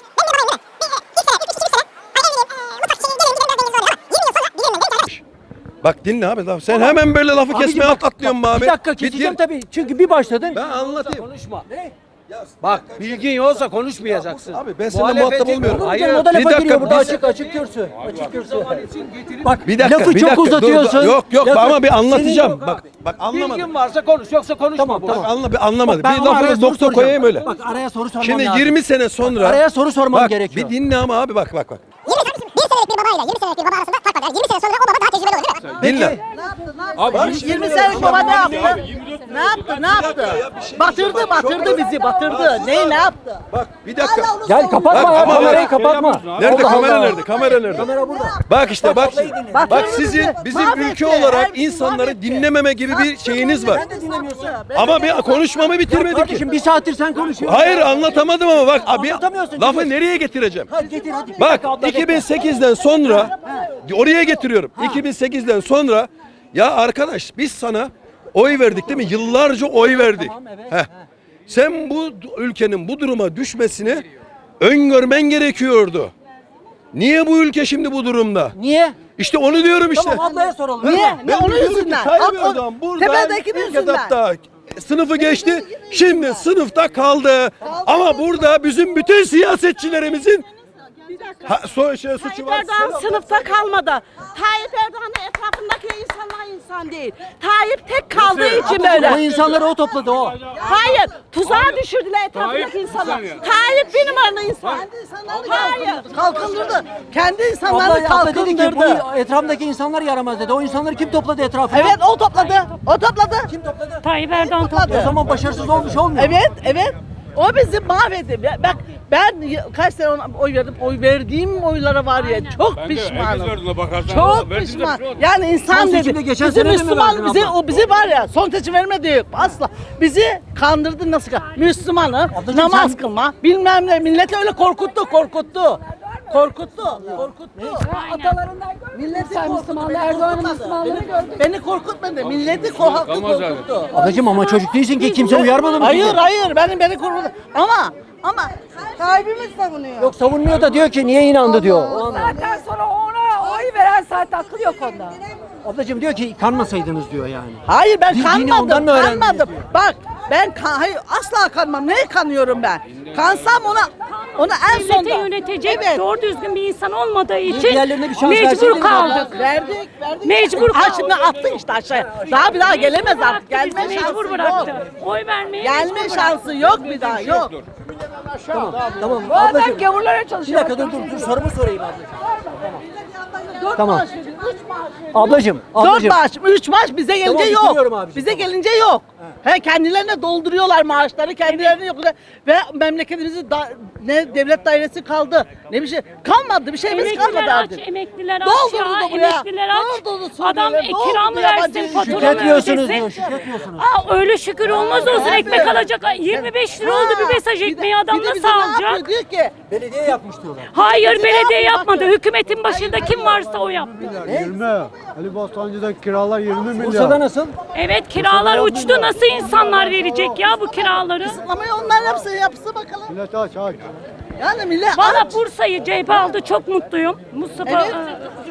Speaker 5: Bak dinle abi. laf- Sen hemen böyle lafı
Speaker 1: Abicim
Speaker 5: kesmeye
Speaker 1: bak,
Speaker 5: atlıyorsun be
Speaker 1: bak,
Speaker 5: abi.
Speaker 1: Bir dakika
Speaker 5: Bir
Speaker 1: keseceğim
Speaker 5: din-
Speaker 1: tabii. Çünkü bir başladın.
Speaker 5: Ben anlatayım.
Speaker 3: Konuşma.
Speaker 1: Ne?
Speaker 3: Bak bilgin yoksa konuşmayacaksın.
Speaker 5: Abi ben seninle muhatap olmuyorum.
Speaker 1: Hayır.
Speaker 3: Hayır.
Speaker 1: O da
Speaker 5: Bir
Speaker 1: lafa
Speaker 5: dakika,
Speaker 1: giriyor burada
Speaker 5: bir-
Speaker 1: açık açık kürsü. Açık kürsü. Bak
Speaker 5: Bir dakika,
Speaker 1: lafı
Speaker 5: bir
Speaker 1: çok
Speaker 5: dakika, dur,
Speaker 1: uzatıyorsun.
Speaker 5: dur. Yok yok
Speaker 1: Lafı-
Speaker 5: ama bir anlatacağım.
Speaker 1: Senin-
Speaker 5: Bak bak anlamadım.
Speaker 3: Bilgin varsa konuş yoksa konuşma.
Speaker 1: Tamam,
Speaker 3: bu.
Speaker 1: tamam.
Speaker 5: Bak anla, bir anlamadı.
Speaker 1: Ben
Speaker 5: Bir
Speaker 1: ama araya
Speaker 5: lafı
Speaker 1: soru
Speaker 5: nokta
Speaker 1: soracağım.
Speaker 5: koyayım öyle.
Speaker 1: Bak araya soru sormam
Speaker 5: Şimdi
Speaker 1: lazım.
Speaker 5: yirmi sene sonra
Speaker 1: Araya soru sormam
Speaker 5: bak,
Speaker 1: gerekiyor.
Speaker 5: Bir dinle ama abi bak bak bak.
Speaker 12: bir senelik bir babayla yirmi senelik bir baba arasında fark var. Yani yirmi sene sonra o baba daha tecrübeli olur değil mi?
Speaker 5: Dinle.
Speaker 9: yirmi senelik baba ne yaptı? Ne yaptı? Ne yaptı? Batırdı, batırdı bizi, batırdı. Neyi ne yaptı?
Speaker 5: Bak bir dakika.
Speaker 1: Gel kapatma
Speaker 5: Bak,
Speaker 1: ya
Speaker 5: ama
Speaker 1: kamerayı
Speaker 5: bak-
Speaker 1: kapatma.
Speaker 5: Nerede
Speaker 1: Allah
Speaker 5: kamera
Speaker 1: Allah.
Speaker 5: nerede? Kamera nerede?
Speaker 1: Kamera burada.
Speaker 5: Bak işte bak.
Speaker 9: Batırdı
Speaker 5: Bak
Speaker 9: bizi,
Speaker 5: sizin bizim
Speaker 9: mahvetti.
Speaker 5: ülke olarak
Speaker 9: Her bizi
Speaker 5: insanları
Speaker 9: mahvetti.
Speaker 5: dinlememe gibi bir şeyiniz var.
Speaker 1: Sen de dinlemiyorsun.
Speaker 5: Ama bir konuşmamı bitirmedim ki.
Speaker 1: Kardeşim bir saattir sen konuşuyorsun.
Speaker 5: Hayır anlatamadım ama bak abi
Speaker 1: Anlatamıyorsun,
Speaker 5: lafı
Speaker 1: çünkü-
Speaker 5: nereye getireceğim?
Speaker 1: Hadi getir hadi. Bir
Speaker 5: Bak
Speaker 1: dakika abla, bekle.
Speaker 5: iki bin sekizden sonra oraya getiriyorum. iki bin sekizden sonra ya arkadaş biz sana oy verdik değil mi? Yıllarca oy verdik.
Speaker 1: Tamam, evet.
Speaker 5: Heh. Sen bu ülkenin bu duruma düşmesini öngörmen gerekiyordu. Niye bu ülke şimdi bu durumda?
Speaker 1: Niye?
Speaker 5: İşte onu diyorum işte.
Speaker 1: Tamam ablaya soralım.
Speaker 9: Niye?
Speaker 5: Ben
Speaker 9: Ne onun
Speaker 5: diyorum ki
Speaker 9: yüzünden?
Speaker 5: Tayyip
Speaker 9: Alt- o-
Speaker 5: Erdoğan buradan
Speaker 9: Tepeldeki
Speaker 5: ilk
Speaker 9: yüzünden.
Speaker 5: etapta sınıfı geçti. Şimdi sınıfta kaldı. Ama burada bizim bütün siyasetçilerimizin ha, so, şey, suçu
Speaker 9: Tayyip
Speaker 5: var.
Speaker 9: Erdoğan sınıfta kalmadı. Tayyip Erdoğan'ın etrafındaki insanlar insan değil. Tayyip tek kaldığı için
Speaker 1: O
Speaker 9: böyle.
Speaker 1: insanları o topladı o.
Speaker 9: Hayır, tuzağa düşürdüler etrafındaki
Speaker 8: Tayyip-
Speaker 9: insanlar.
Speaker 8: Bir saniye.
Speaker 9: Tayyip bir numaralı insan. Hayır, kalkındırdı. Kendi insanlarını
Speaker 1: Abla, abla dedi ki
Speaker 9: kalkındırdı.
Speaker 1: bu etrafındaki insanlar yaramaz dedi. O insanları kim topladı etrafına?
Speaker 9: Evet, o topladı. O topladı.
Speaker 1: Kim topladı?
Speaker 6: Tayyip Erdoğan
Speaker 9: topladı.
Speaker 1: O zaman başarısız olmuş olmuyor.
Speaker 9: Evet, evet. O bizi mahvetti. Ya Bak ben y- kaç sene ona oy verdim. Oy verdiğim oylara var ya çok
Speaker 8: Ben de herkes
Speaker 9: pişmanım.
Speaker 8: verdi ona bakarsan.
Speaker 9: Çok
Speaker 8: Verdi de
Speaker 9: pişman.
Speaker 8: bir şey oldu.
Speaker 9: Yani insan
Speaker 1: Son
Speaker 9: dedi.
Speaker 1: seçimde geçen
Speaker 9: Bizi
Speaker 1: sene de mi
Speaker 9: Müslüman
Speaker 1: verdin
Speaker 9: bizi
Speaker 1: abla?
Speaker 9: o bizi var ya son seçim vermedi asla. Bizi kandırdı nasıl? ka- Müslümanı
Speaker 1: Ablacığım
Speaker 9: namaz
Speaker 1: sen-
Speaker 9: kılma bilmem ne milleti öyle korkuttu korkuttu. Korkuttu, korkuttu. Atalarından milleti korkuttu. Beni Erdoğan'ın Müslümanlığını gördük. Beni korkutmadı. Milleti ko- haklı
Speaker 8: Kalmaz yani.
Speaker 9: korkuttu.
Speaker 1: Ablacığım ama çocuk değilsin ki kimse uyarmadı mı?
Speaker 9: Hayır
Speaker 1: sizi?
Speaker 9: hayır benim beni korkuttu. Ama ama sahibimiz savunuyor.
Speaker 1: Yok savunmuyor da diyor ki niye inandı diyor. O anlamda.
Speaker 9: Zaten sonra ona oy veren zaten akıl yok onda.
Speaker 1: Ablacığım diyor ki kanmasaydınız diyor yani.
Speaker 9: Hayır ben
Speaker 1: Din- dini ondan
Speaker 9: kanmadım,
Speaker 1: mı öğrendiniz
Speaker 9: kanmadım.
Speaker 1: diyor.
Speaker 9: Bak ben kan, hayır asla kanmam. Neye kanıyorum ben? Kansam ona ona en
Speaker 6: Devleti
Speaker 9: sonda.
Speaker 6: yönetecek
Speaker 9: Evet.
Speaker 6: doğru düzgün bir insan olmadığı için
Speaker 1: Diğerlerine bir şans verseydiniz
Speaker 6: mecbur
Speaker 1: abla.
Speaker 6: kaldık.
Speaker 9: Verdik, verdik.
Speaker 6: Mecbur
Speaker 9: Ha
Speaker 6: kaldık.
Speaker 9: şimdi attı işte aşağıya. Daha bir daha gelemez artık.
Speaker 6: Bıraktı
Speaker 9: Gelme
Speaker 6: bizi,
Speaker 9: şansı
Speaker 6: mecbur
Speaker 9: yok.
Speaker 6: bıraktı. Oy vermeye
Speaker 9: Gelme
Speaker 6: mecbur
Speaker 9: şansı yok bir daha yok.
Speaker 1: Tamam. Tamam.
Speaker 9: Bu adam
Speaker 1: Ablacığım.
Speaker 9: gavurlara
Speaker 1: Bir
Speaker 9: çalışıyor.
Speaker 1: dakika dur dur dur sorumu sorayım ablacığım.
Speaker 9: Dört
Speaker 1: Tamam.
Speaker 9: maaş veriyor, üç maaş veriyor.
Speaker 1: Ablacığım.
Speaker 9: Dört
Speaker 1: Ablacığım.
Speaker 9: maaş, üç maaş bize gelince
Speaker 1: bitiriyorum
Speaker 9: yok.
Speaker 1: abiciğim,
Speaker 9: Bize
Speaker 1: tamam.
Speaker 9: gelince yok. He kendilerine dolduruyorlar maaşları, kendilerine yok. Ve memleketimizin da, ne devlet dairesi kaldı. Ne bir şey kalmadı, bir şeyimiz kalmadı
Speaker 6: Emekliler aç,
Speaker 9: artık.
Speaker 6: emekliler aç
Speaker 9: Doldurdu
Speaker 6: ya,
Speaker 9: buraya.
Speaker 6: emekliler aç.
Speaker 9: Doldurdu
Speaker 6: Adam
Speaker 9: Suriyeliler,
Speaker 6: e,
Speaker 9: doldurdu
Speaker 6: kira mı
Speaker 9: yabancı
Speaker 6: versin,
Speaker 9: işçi.
Speaker 6: fatura mı
Speaker 1: Şükrediyorsunuz
Speaker 6: ödesin?
Speaker 1: diyor. Şükrediyorsunuz.
Speaker 6: Aa, öyle şükür olmaz olsun
Speaker 9: Evet.
Speaker 6: ekmek alacak. Ay, yirmi beş lira oldu bir mesaj
Speaker 9: Bir de-
Speaker 6: ekmeği adam
Speaker 9: bir de
Speaker 6: nasıl
Speaker 9: bize ne yapıyor?
Speaker 6: alacak?
Speaker 9: Diyor ki
Speaker 1: Belediye yapmış diyorlar.
Speaker 6: Hayır
Speaker 9: bize
Speaker 6: belediye
Speaker 9: yapma,
Speaker 6: yapmadı.
Speaker 9: bakın.
Speaker 6: Hükümetin başında kim varsa o yaptı.
Speaker 13: yirmi. Ali Bostancı'da kiralar yirmi milyar.
Speaker 1: Bursa'da nasıl?
Speaker 6: Evet kiralar uçtu. Nasıl insanlar verecek ya bu kiraları?
Speaker 9: kısıtlamayı onlar yapsın, yapsın bakalım.
Speaker 13: Millet aç aç.
Speaker 9: Yani millet
Speaker 6: Valla
Speaker 9: aç.
Speaker 6: Bursa'yı C H P aldı. Çok mutluyum. Mustafa
Speaker 9: Evet.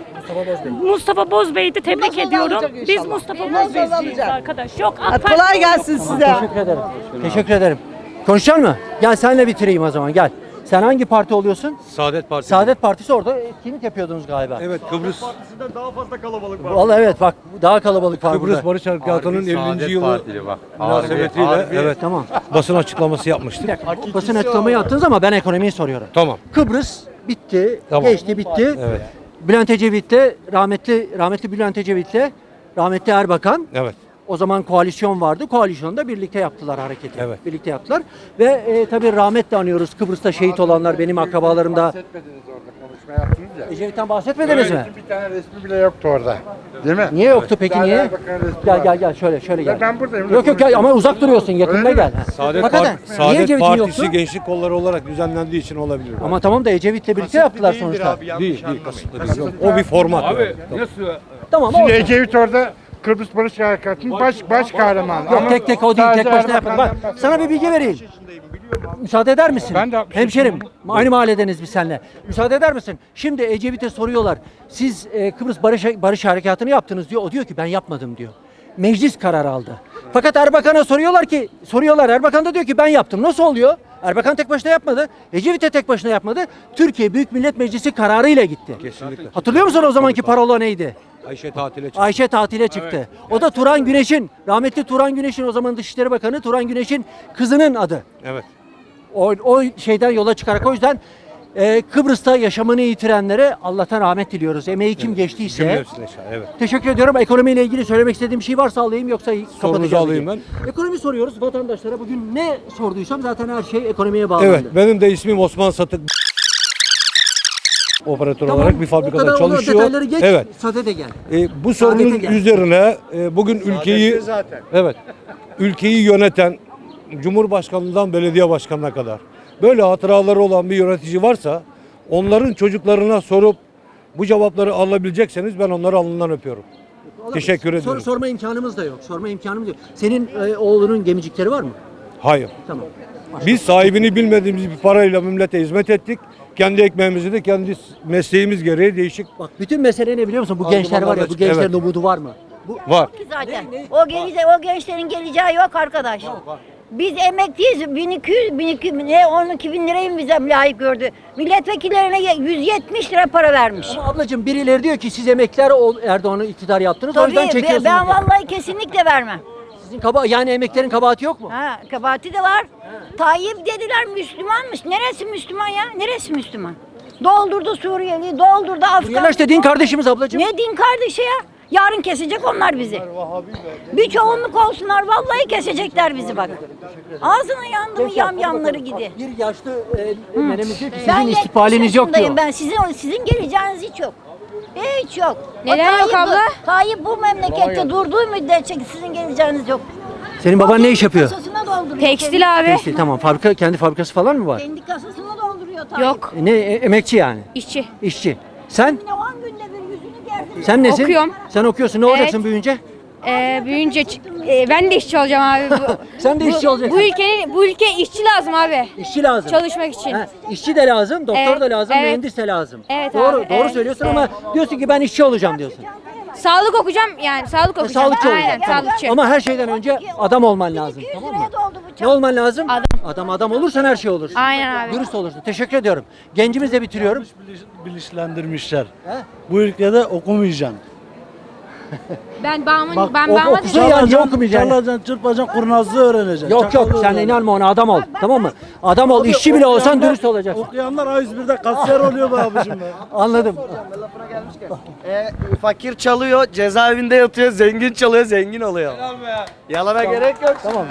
Speaker 6: e, Mustafa Bozbey'i de tebrik
Speaker 9: Bundan sonra
Speaker 6: ediyorum.
Speaker 9: alacak
Speaker 6: Biz
Speaker 9: inşallah.
Speaker 6: Mustafa
Speaker 9: Bundan sonra
Speaker 6: Bozbey'iz
Speaker 9: alacak.
Speaker 6: arkadaş. Yok AK
Speaker 9: Hadi
Speaker 6: Parti
Speaker 9: kolay
Speaker 6: yok.
Speaker 9: gelsin size.
Speaker 1: Teşekkür ederim. Teşekkür ederim. Konuşacak mı? Gel senle bitireyim o zaman gel. Sen hangi parti oluyorsun?
Speaker 5: Saadet Partisi.
Speaker 1: Saadet Partisi orada etkinlik yapıyordunuz galiba.
Speaker 5: Evet Kıbrıs
Speaker 13: Daha fazla kalabalık var.
Speaker 1: Vallahi evet bak daha kalabalık var
Speaker 5: Kıbrıs
Speaker 1: burada.
Speaker 5: Barış Harekatı'nın ellinci yılı
Speaker 13: bak.
Speaker 5: münasebetiyle evet
Speaker 1: Tamam.
Speaker 5: basın açıklaması yapmıştık.
Speaker 1: Basın açıklamayı yaptınız ama ben ekonomiyi soruyorum.
Speaker 5: Tamam.
Speaker 1: Kıbrıs bitti,
Speaker 5: Tamam.
Speaker 1: geçti bitti.
Speaker 5: Evet.
Speaker 1: Bülent Ecevit'le rahmetli rahmetli Bülent Ecevit'le rahmetli Erbakan.
Speaker 5: Evet.
Speaker 1: O zaman koalisyon vardı. Koalisyonda birlikte yaptılar hareketi.
Speaker 5: Evet.
Speaker 1: Birlikte yaptılar. Ve e, tabii rahmetle anıyoruz Kıbrıs'ta şehit olanlar benim akrabalarım da.
Speaker 13: Bahsetmediniz orada konuşma yaptınız ya.
Speaker 1: Ecevit'ten bahsetmediniz mi?
Speaker 13: Bir tane resmi bile yoktu orada. Değil mi?
Speaker 1: Niye yoktu peki
Speaker 13: Daha
Speaker 1: niye?
Speaker 13: Erbakan'ın resmi
Speaker 1: Gel
Speaker 13: var.
Speaker 1: gel gel şöyle şöyle gel.
Speaker 13: Ben buradayım.
Speaker 1: Yok yok gel ama uzak duruyorsun yakında
Speaker 13: Öyle mi?
Speaker 1: gel. Ha.
Speaker 5: Saadet,
Speaker 1: Hakikaten,
Speaker 5: Part-
Speaker 1: niye
Speaker 5: Saadet
Speaker 1: Ecevit'in
Speaker 5: Partisi
Speaker 1: yoktu?
Speaker 5: gençlik kolları olarak düzenlendiği için olabilir.
Speaker 1: Ama tamam da Ecevit'le birlikte yaptılar sonuçta.
Speaker 5: Değil, değil kasıtlı değil. O bir format.
Speaker 8: Abi
Speaker 5: yani.
Speaker 8: nasıl?
Speaker 1: Tamam
Speaker 13: Şimdi
Speaker 1: olsun.
Speaker 13: Ecevit orada Kıbrıs Barış Harekatı'nın baş, baş kahramanı.
Speaker 1: Yok
Speaker 13: Ama
Speaker 1: tek tek o değil
Speaker 13: sadece
Speaker 1: tek başına yapın. Bak
Speaker 13: Erbakan'dan
Speaker 1: sana bir bilgi vereyim. Müsaade eder misin?
Speaker 13: Ben de altmış
Speaker 1: Hemşerim aynı mahalledeniz biz seninle. Müsaade eder misin? Şimdi Ecevit'e soruyorlar. Siz e, Kıbrıs Barış, Barış Harekatı'nı yaptınız diyor. O diyor ki ben yapmadım diyor. Meclis karar aldı. Fakat Erbakan'a soruyorlar ki soruyorlar Erbakan da diyor ki ben yaptım. Nasıl oluyor? Erbakan tek başına yapmadı. Ecevit de tek başına yapmadı. Türkiye Büyük Millet Meclisi kararıyla gitti.
Speaker 5: Kesinlikle.
Speaker 1: Hatırlıyor musun o zamanki parola neydi?
Speaker 5: Ayşe tatile çıktı.
Speaker 1: Ayşe tatile çıktı. O da Turan Güneş'in, rahmetli Turan Güneş'in o zaman Dışişleri Bakanı Turan Güneş'in kızının adı.
Speaker 5: Evet.
Speaker 1: O, o şeyden yola çıkarak o yüzden e, Kıbrıs'ta yaşamını yitirenlere Allah'tan rahmet diliyoruz. Emeği kim geçtiyse.
Speaker 5: Cümlesine şah, evet.
Speaker 1: Teşekkür ediyorum. Ekonomiyle ilgili söylemek istediğim bir şey varsa alayım yoksa kapatacağım.
Speaker 5: alayım
Speaker 1: ben. Ekonomi soruyoruz vatandaşlara. Bugün ne sorduysam zaten her şey ekonomiye bağlandı.
Speaker 5: Evet, benim de ismim Osman Satık. Operatör
Speaker 1: Tamam,
Speaker 5: olarak bir
Speaker 1: o
Speaker 5: fabrikada
Speaker 1: kadar olur,
Speaker 5: çalışıyor.
Speaker 1: detayları geç,
Speaker 5: Evet.
Speaker 1: sade de gel.
Speaker 5: E, bu sorunun
Speaker 1: gel.
Speaker 5: üzerine e, bugün ülkeyi
Speaker 13: zaten.
Speaker 5: evet ülkeyi yöneten Cumhurbaşkanlığından belediye başkanına kadar böyle hatıraları olan bir yönetici varsa onların çocuklarına sorup bu cevapları alabilecekseniz ben onları alnından öpüyorum. Teşekkür
Speaker 1: Sor,
Speaker 5: ederim.
Speaker 1: sorma imkanımız da yok. Sorma imkanımız yok. Senin e, oğlunun gemicikleri var mı?
Speaker 5: Hayır.
Speaker 1: Tamam.
Speaker 5: Biz sahibini bilmediğimiz bir parayla millete hizmet ettik. Kendi ekmeğimizi de kendi mesleğimiz gereği değişik.
Speaker 1: Bak bütün mesele ne biliyor musun? Bu
Speaker 5: Aldım,
Speaker 1: gençler var ya, bu
Speaker 5: anladım.
Speaker 1: gençlerin
Speaker 5: Evet.
Speaker 1: umudu var mı?
Speaker 5: Var.
Speaker 12: Ki zaten. O gelecek, o gençlerin geleceği yok arkadaş. Biz emekliyiz. bin iki yüz, bin iki yüz, ne on iki bin lirayı mı bize layık gördü? Milletvekillerine ye- yüz yetmiş lira para vermiş.
Speaker 1: Ama ablacığım birileri diyor ki siz emekliler ol- Erdoğan'ı iktidar yaptınız o yüzden
Speaker 12: Tabii
Speaker 1: çekiyorsunuz.
Speaker 12: ben
Speaker 1: diyor.
Speaker 12: vallahi kesinlikle vermem.
Speaker 1: Sizin kaba yani emeklerin kabahati yok mu?
Speaker 12: Ha, kabahati de var. Tayyip dediler Müslümanmış. Neresi Müslüman ya? Neresi Müslüman? Doldurdu Suriyeli, doldurdu Afgan.
Speaker 1: Suriyeliler işte din kardeşimiz ablacığım.
Speaker 12: Ne din kardeşi ya? Yarın kesecek onlar bizi. Bir çoğunluk olsunlar vallahi kesecekler bizi bak. Ağzına yandı mı yam yamları gidi.
Speaker 1: Bir yaşlı e, menemiz diyor ki
Speaker 12: Ben
Speaker 1: sizin
Speaker 12: yetmiş
Speaker 1: istifaliniz yok
Speaker 12: yaşındayım
Speaker 1: diyor.
Speaker 12: Ben sizin sizin geleceğiniz hiç yok. Hiç yok.
Speaker 6: Neden
Speaker 12: O
Speaker 6: yok
Speaker 12: Tayyip bu-
Speaker 6: abla?
Speaker 12: Tayyip bu memlekette durduğu müddetçe sizin geleceğiniz yok.
Speaker 1: Senin baban ne iş yapıyor?
Speaker 12: Kasasına dolduruyor.
Speaker 6: Tekstil abi.
Speaker 1: Tekstil, tamam. Fabrika, kendi fabrikası falan mı var?
Speaker 12: Kendi kasasına dolduruyor Tayyip.
Speaker 6: Yok.
Speaker 1: E, Ne e, emekçi yani?
Speaker 6: İşçi.
Speaker 1: İşçi. Sen?
Speaker 12: Yine on günde bir yüzünü gerdi.
Speaker 1: Sen nesin?
Speaker 6: Okuyorum.
Speaker 1: Sen okuyorsun. Ne olacaksın büyüyünce?
Speaker 6: Ee, büyüyünce ç- e, ben de işçi olacağım abi. Bu,
Speaker 1: Sen de
Speaker 6: bu-
Speaker 1: işçi olacaksın.
Speaker 6: Bu ülkenin bu ülke işçi lazım abi.
Speaker 1: İşçi lazım.
Speaker 6: Çalışmak için.
Speaker 1: Ha, işçi de lazım, doktor
Speaker 6: Evet,
Speaker 1: da lazım,
Speaker 6: evet.
Speaker 1: mühendis de lazım.
Speaker 6: Evet
Speaker 1: doğru,
Speaker 6: abi,
Speaker 1: doğru
Speaker 6: evet,
Speaker 1: söylüyorsun
Speaker 6: evet.
Speaker 1: ama diyorsun ki ben işçi olacağım diyorsun.
Speaker 6: Sağlık okuyacağım yani sağlık
Speaker 1: Ha,
Speaker 6: okuyacağım.
Speaker 1: sağlıkçı
Speaker 6: Aynen
Speaker 1: olacaksın. Tamam.
Speaker 6: sağlıkçı.
Speaker 1: Ama her şeyden önce adam olman lazım. Tamam mı? Ne olman lazım?
Speaker 6: Adam.
Speaker 1: Adam adam olursan her şey olur.
Speaker 6: Aynen abi.
Speaker 1: Dürüst olursun. Teşekkür ediyorum. Gencimizle bitiriyorum.
Speaker 13: Bilinçlendirmişler.
Speaker 1: He?
Speaker 13: Bu ülkede okumayacaksın.
Speaker 6: Ben bağımın
Speaker 13: Bak,
Speaker 6: ben
Speaker 1: o-
Speaker 6: bağıma
Speaker 1: okusun ya, niye okumayacaksın?
Speaker 13: Çalacaksın, çırpacaksın, kurnazlığı öğreneceksin.
Speaker 1: Yok yok
Speaker 13: çakallığı
Speaker 1: sen
Speaker 13: öğreneceksin.
Speaker 1: inanma ona adam ol. Tamam mı? Adam ol. işçi bile olsan
Speaker 13: Okuyanlar-
Speaker 1: dürüst olacaksın.
Speaker 13: Okuyanlar A yüz birde kasiyer oluyor be abicim be.
Speaker 1: Anladım.
Speaker 14: E, fakir çalıyor, cezaevinde yatıyor, zengin çalıyor, zengin oluyor. Yalana gerek yok.
Speaker 1: Tamam.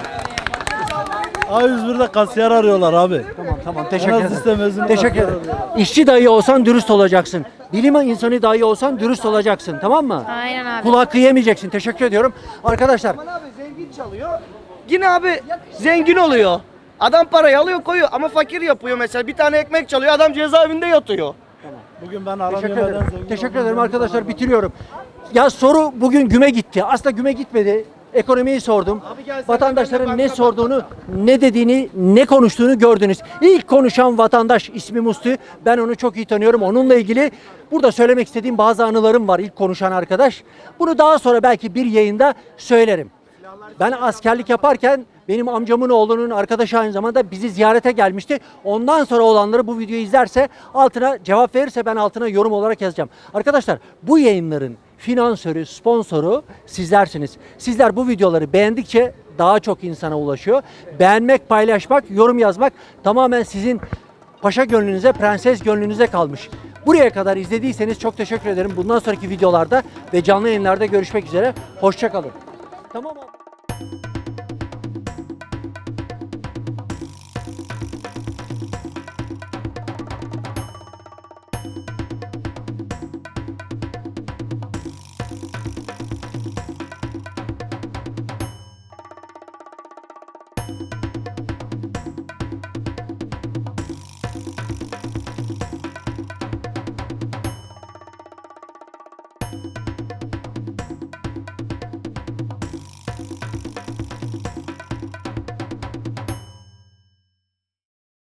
Speaker 13: A yüz birde kasiyer arıyorlar abi.
Speaker 1: Tamam tamam
Speaker 13: En
Speaker 1: teşekkür
Speaker 13: az
Speaker 1: ederim.
Speaker 13: liste mezunu
Speaker 1: Teşekkür
Speaker 13: kasiyer
Speaker 1: ederim.
Speaker 13: arıyorlar.
Speaker 1: İşçi dahi olsan dürüst olacaksın. Bilim insanı dahi olsan dürüst olacaksın. Tamam mı?
Speaker 6: Aynen abi.
Speaker 1: Kulağı kıyamayacaksın. Teşekkür ediyorum. Arkadaşlar
Speaker 14: Abi zengin çalıyor. Yine abi zengin oluyor. Adam parayı alıyor koyuyor ama fakir yapıyor mesela. Bir tane ekmek çalıyor, adam cezaevinde yatıyor.
Speaker 13: Bugün ben aram
Speaker 1: teşekkür
Speaker 13: yemeden
Speaker 1: ederim.
Speaker 13: zengin
Speaker 1: Teşekkür
Speaker 13: oldum.
Speaker 1: ederim arkadaşlar. Bitiriyorum. Ya soru bugün güme gitti. Aslında güme gitmedi. Ekonomiyi sordum. Vatandaşların ne sorduğunu, ne dediğini, ne konuştuğunu gördünüz. İlk konuşan vatandaş ismi Musti. Ben onu çok iyi tanıyorum. Onunla ilgili burada söylemek istediğim bazı anılarım var ilk konuşan arkadaş. Bunu daha sonra belki bir yayında söylerim. Ben askerlik yaparken benim amcamın oğlunun arkadaşı aynı zamanda bizi ziyarete gelmişti. Ondan sonra olanları bu videoyu izlerse altına cevap verirse ben altına yorum olarak yazacağım. Arkadaşlar bu yayınların finansörü, sponsoru sizlersiniz. Sizler bu videoları beğendikçe daha çok insana ulaşıyor. Beğenmek, paylaşmak, yorum yazmak tamamen sizin paşa gönlünüze, prenses gönlünüze kalmış. Buraya kadar izlediyseniz çok teşekkür ederim. Bundan sonraki videolarda ve canlı yayınlarda görüşmek üzere. Hoşça kalın. Tamam abi.